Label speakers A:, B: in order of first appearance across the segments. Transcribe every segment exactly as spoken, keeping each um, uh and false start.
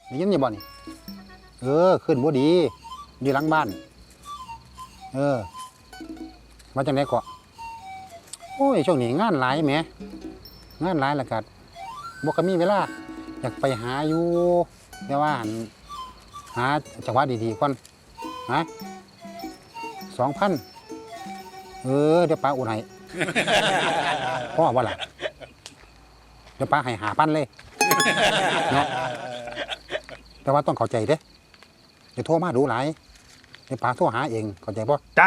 A: ได้ยินอยู่บ่นี่เออขึ้นบ่ดีอยู่หลังบ้านเออมาจังได๋ก็โอ้ยช่วงนี้งานหลายแหมงานหลายแล้วก็บ่ก็มีเวลาอยากไปหาอยู่แต่ว่าหาจังหวะดีๆก่อนฮะสองพันเออเดี๋ยวป้าอุดให้พ่อว่าล่ะเดี๋ยวป้าให้หาพันเลยเนาะแต่ว่าต้องเข้าใจเด้เดี๋ยวโทรมาดูหลายเดี๋ยวป้าโทรหาเองเข้าใจป่ะ
B: จ๊ะ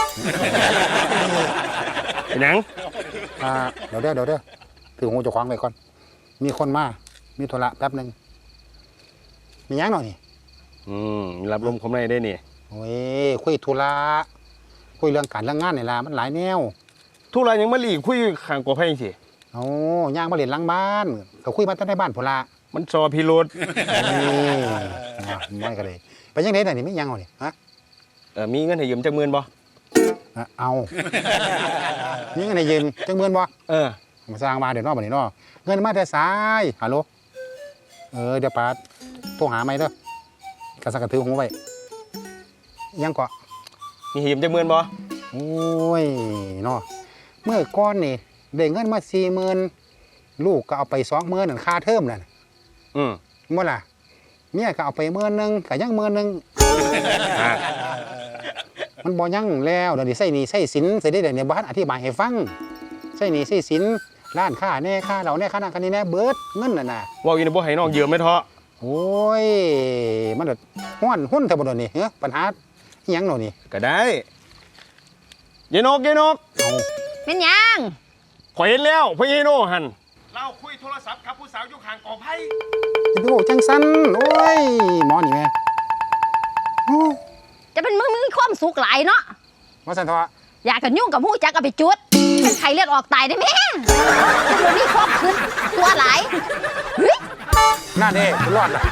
B: เป็นหยัง
A: อ่าเดี๋ยวเด้อเดี๋ยวเด้อถือหูเจะคว้าของไว้ก่อนมีคนมามีธุระแป๊บหนึ่งมีหยังหน่อยนี่
B: อืมรับลมคมในได้นี่
A: โอ้ยคุยธุระคุยเรื่องการเรื่องงานนี่ล่ะมันหลายแนว
B: ทุรายยังมาหลีกคุยข้างกว่าไพ่สิ
A: โอ้ย่างมาเล่นหลังบ้านก็คุยมาตั้งในบ้านพุ่นละ
B: มันซอพิรุษ
A: นี่นะไม่ก็เลยไปยังไงหน่อยนี่ไม่ยังเอานี่ฮะ
B: เออมีเงินให้ยืมจักหมื่นบ่
A: อ่ะเอานี่เงินให้ยืมจังเงินบ่
B: เออ
A: มาสร้างมาเดี๋ยวนอกบ่นี่เนาะเงินมาแต่สายฮัลโหลเออเดี๋ยวป้าโทรหาใหม่เด้อกระสักกระถือหูไว้ยังก็
B: มีให้ยืมจักหมื่นบ่
A: โอ้ยเนาะเมื่อก้อนนี่ได้เงินมาสี่หมื่นลูกก็เอาไปสองหมื่นนั่นค่าเทอมนั่น
B: อืม
A: มื่อล่ะเมียก็เอาไปหมื่นหนึงก็ยังหมื่นหนึง
B: อ่า
A: มันบ่ยังแล้วเดี๋ยวนี้ใส่หนี้ใส่สินใส่ได้เดี๋ยวนี้บ้านอธิบายให้ฟังใส่หนี้ใส่สินร้านค้าแน่ค่าเราแน่ค่านั่นค่านี้แน่เบิดเงินน่ะน่ะ
B: ว่าอยู่ในบ่ให้น้องยืมไม่เถาะ
A: โอ้ยมันเดือดห้อนหุ้นเท่าบ่เดี๋ยวนี้เฮ้ยปัญหาอิหยังเนาะนี่
B: ก็ได้ยายนกยายนก
A: เอา
C: เป็นหยัง
B: ข่อยเห็นแล้วพ่อยายโนหันเราคุยโทรศัพท์กับผู้สาวอยู่ข้างกอไผ่
A: จะไปบอกจังสันโอ้ยหมอนี่แม่โอ้ย
C: จะเป็นมึงมีความสุขหลายเนาะ
A: ว่าสันทว่า
C: อยากกันยุ่งกับหูจักกับไปจุดเป็นไข้เลือดออกตายได้ไหมมันมีความขึ้นตัวหลายเฮ้ย
A: หน้าเด้รอดล่ะ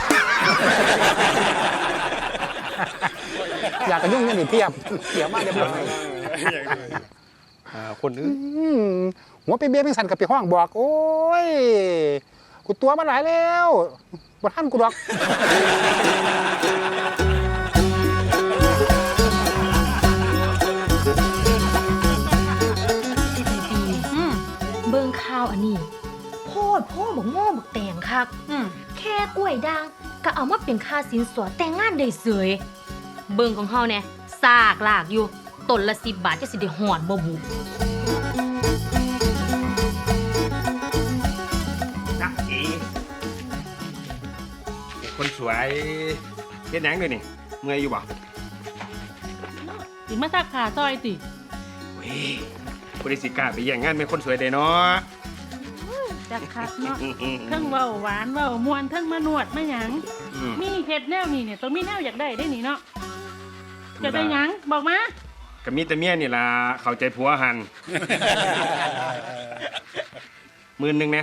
A: อยากกระยุ่งนี่นี่เทียบเทียบมากเรียบร้อย
B: อ่าคนอื่น
A: อืมหัวไปเบี้ยเป็นสันกับไปห้องบอก โอ้ย กูตัวมาหลายแล้วบ่ทันกูดอก
D: อืมเบิ่งข่าวอันนี้โพดพ่อบอกโง่บอกแต่งคัก
C: อืม
D: แค่กล้วยด่างก็เอามาเป็นค่าสินสอดแต่งงานได้เสยเบิ่งของเฮาเนี่ยซากลากอยู่ต้นละสิบบาทจะสิได้หอนบ่บุ
B: จ๊ะอีคนสวยเฮ็ดหยังด้วยนี่เมื่อยอยู่บ่
E: สิมาซักขาซอยติ
B: เว้ยบริสิกล้าไปแย่งงานเป็นคนสวยเด้เนาะ
E: จักคักเนาะเทั้งเว้าหวานเว้ามวนเทั้งมานวดมาหยัง
B: อืม
E: มีเฮ็ดแนวนี่เนี่ยต้องมีแนวอยากได้ได้นี่เนาะจะได้หยังบอกมา
B: ก็มีแต่เมียนี่ล่ะเข้าใจผัวหัน หมื่นหนึงนะ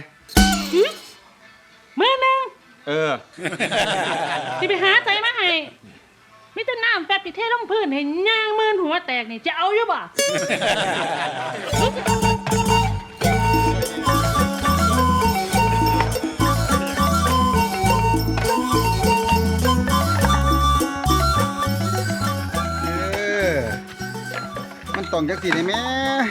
E: มื้อหนึง
B: เออ
E: สิไปหาใจมาให้มีแต่น้ำแป๊บที่เทลงพื้นให้ย่างมื่นหัวแตกนี่จะเอาอยู่บ่
F: เออ มันต้องจักสิได้แม่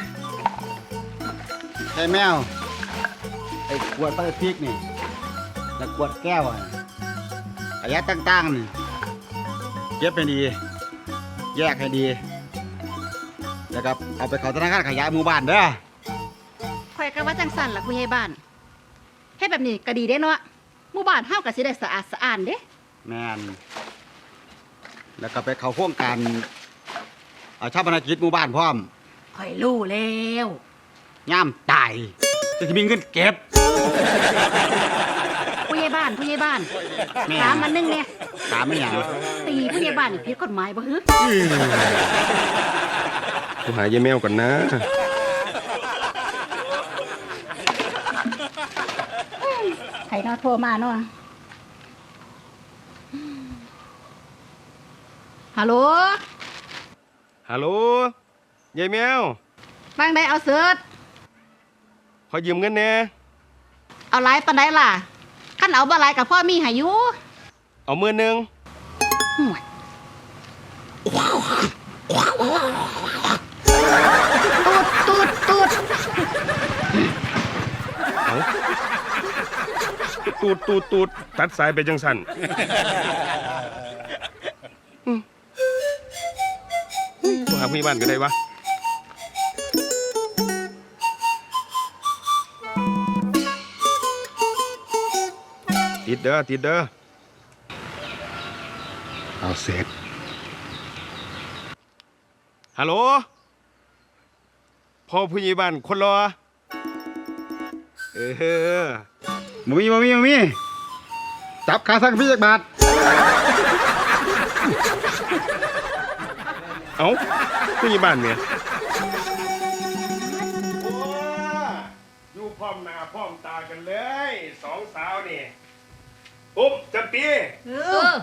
F: ใช่แมว ไอ้ขวดพลาสติกนี่แล้วขวดแก้วอ่ะขยะต่างๆนี่เก็บให้ดี แยกให้ดี แล้วก็เอาไปเข้าธนาคารขยะหมู่บ้านเด้อ
G: ข่อยก็ว่าจังสั่นล่ะผู้ใหญ่บ้านเฮ็ดแบบนี้ก็ดีเด้เนาะหมู่บ้านเฮาก็สิได้สะอาดสะอ้านเด้
F: แม่นแล้วก็ไปเข้าโครงการเอาชาปนกิจหมู่บ้านพร้อม
G: ข่อยรู้แล้ว
F: ย่ามตายจะมีเงินเก็บ
G: ผู้ใหญ่บ้านผู้ใหญ่บ้าน
F: แม่
G: ถามมันนึงเนี่ย
F: ตามไม่หยัง
G: ตีผู้ใหญ่บ้านนี่ผิดกฎหมายบ่ฮึ
B: กูหายายแมวก่อนนะ
G: ใครเนาะโทรมาเนาะฮัลโหล
B: ฮัลโหลยายแมว
G: ฟังได้เอาเสิร์ช
B: ขอยืมเงินแหน่
G: เอาหลายปานใดล่ะคันเอาบ่หลายก็พอมีให้อยู่
B: เอามือหนึ่ง
G: ห่วยตูดตูดตูด
B: เอาตูดตูดตูดตัดสายไปจังสันตัวหาผู้ใหญ่บ้านก็ได้วะติดเด้อติดเด้อเอาเสร็จฮัลโหลพ่อผู้ใหญ่บ้านคนรอเออ
F: บ่มีบ่มีบ่มีจับขาสั่งพี่จักบาท
B: เอ้าผู้ใหญ่บ้านเนี่ยอยู่พร้อมหน้าพร้อมตากันเลยสองสาวนี่ปุ๊บจำปี
D: เออ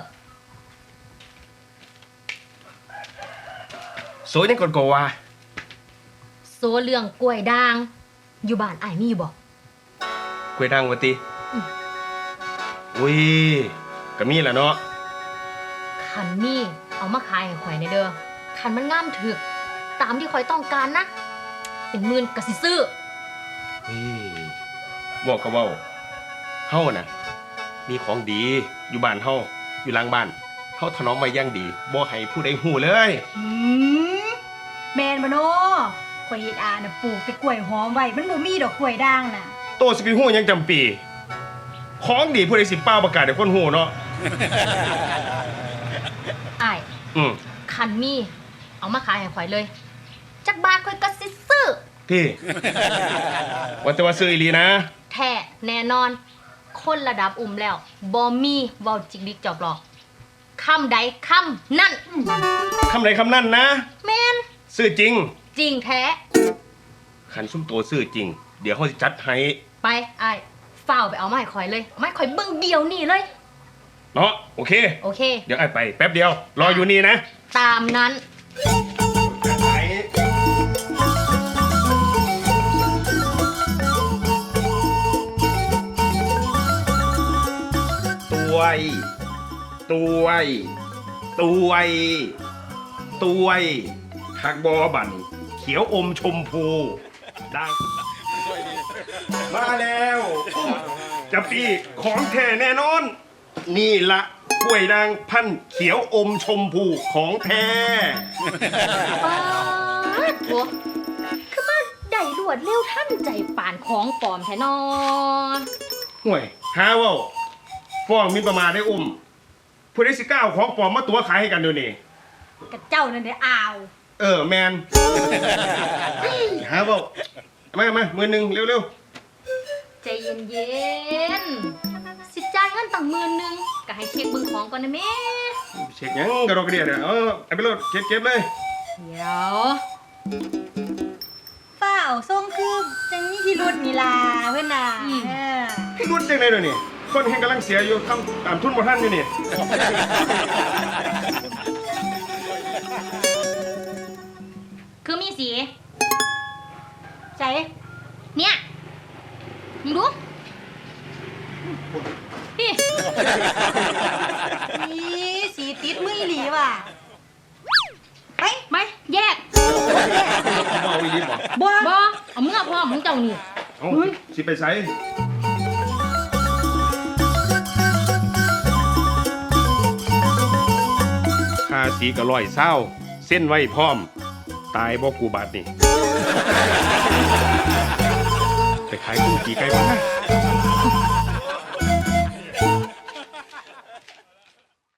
B: โซยังกดกว่า
D: โซเรื่องกล้วยด่าง อยู่บ้านอ้ายมีบ่
B: กล้วยดังวะติอุ้ยก็มีแหละเนาะ
D: คันมีเอามาขายให้ข่อยในเด้อคันมันงามถึก ตามที่ข่อยต้องการนะ เป็นหมื่นก็สิซื้อ
B: เฮ้ยบอกก็เว้าเฮาน่ะมีของดีอยู่บ้านเฮาอยู่หลังบ้านเฮาถนอมไว้อย่างดีบ่ให้ผู้ใดฮู้เลย
H: หืมแมนบ่โนข่อยเฮ็ดอาน่ะปลูกแต่กล้วยหอมไว้มันบ่มีดอกกล้วยด่างน่ะ
B: โตสิไปฮู้หยังจำปีของดีผู้ใดสิเป้าประกาศให้คนฮู้เนาะ
D: อ้าย
B: อืม
D: คันมีเอามาขายให้ข่อยเลย จักบาทข่อยก็สิซื้อ
B: ที่ ว่าแต่ว่าซื้ออีหลีนะ
D: แท้แน่นอน คนระดับอุ่มแล้วบ่มีเว้าจิกดิกจอกหลอกคำใดคำนั่น
B: คำไหนคำนั้นนะ
D: แม่น
B: ซื้อจริง
D: จริงแท้
B: ขันซุ่มโตซื้อจริง เดี๋ยวเขาจะจัดให้
D: ไปอ้ายฝ้าวไปเอามาให้ข่อยเลยเอามาให้ข่อยเบิ่งเดียวนี่เลย
B: เนาะโอเค
D: โอเค
B: เดี๋ยวไอ้ไปแป๊บเดียว รออยู่นี่นะ
D: ตามนั้น
B: จัดให้ตัวไอ้ตัวไอ้ตัวไอ้ตัวไอ้หักบอบันเขียวอมชมพูดังมาแล้วจะปีของแท้แน่นอน นี่ละกล้วยนางพันธุ์เขียวอมชมพูของแท้
D: ป๊าดโถั่วคือมาได้รวดเร็วทันใจป่านของปลอมแท้นอ
B: ห่วยหาเว่าฟ้องหมินประมาทได้อุ้มผู้ใดสิกล้าเอาของปลอมมาตัวขายให้กันเดี๋ยวนี้
H: กับเจ้านั่นได้อาว
B: เออแมน หาเว่ามามามือหนึ่งเร็ว
D: ใจเย็นๆ สิจ่ายเงินตั้งหมื่นหนึงก็ให้เช็คเบิ่งของก่อนนะแม่
B: ๆเช็คหยังกระโดดกระเดียดเนี่ยเออไอ้ไปโลดเก็บเก็บเลย
D: เดี๋ยว
H: ฝ้าวทรงคือจังมีพิรุษนี่ล่ะเพิ่นน่ะเออ
B: พี่รุ่นจังไดเดี๋ยวนี้คนแห่งกำลังเสียอยู่ทำตามทุนบ่ทันอยู่นี่
D: คือมีสี
H: ใจ
D: เนี่ยมึงดูพี่
H: นี่สีติดมืออีหลีว่ะไป
D: ไปแยก
B: เมาอีหลีบ่
H: บ่
D: บอเอามึงเอาพ่อมึงเจ้านี่
B: เอ้าสิไปไสค่าสีก็ร้อยเศร้าเส้นไว้พร้อม ตายบ่กูบาดนี่ ไปขายกุ้งจีไก่บ้างนะ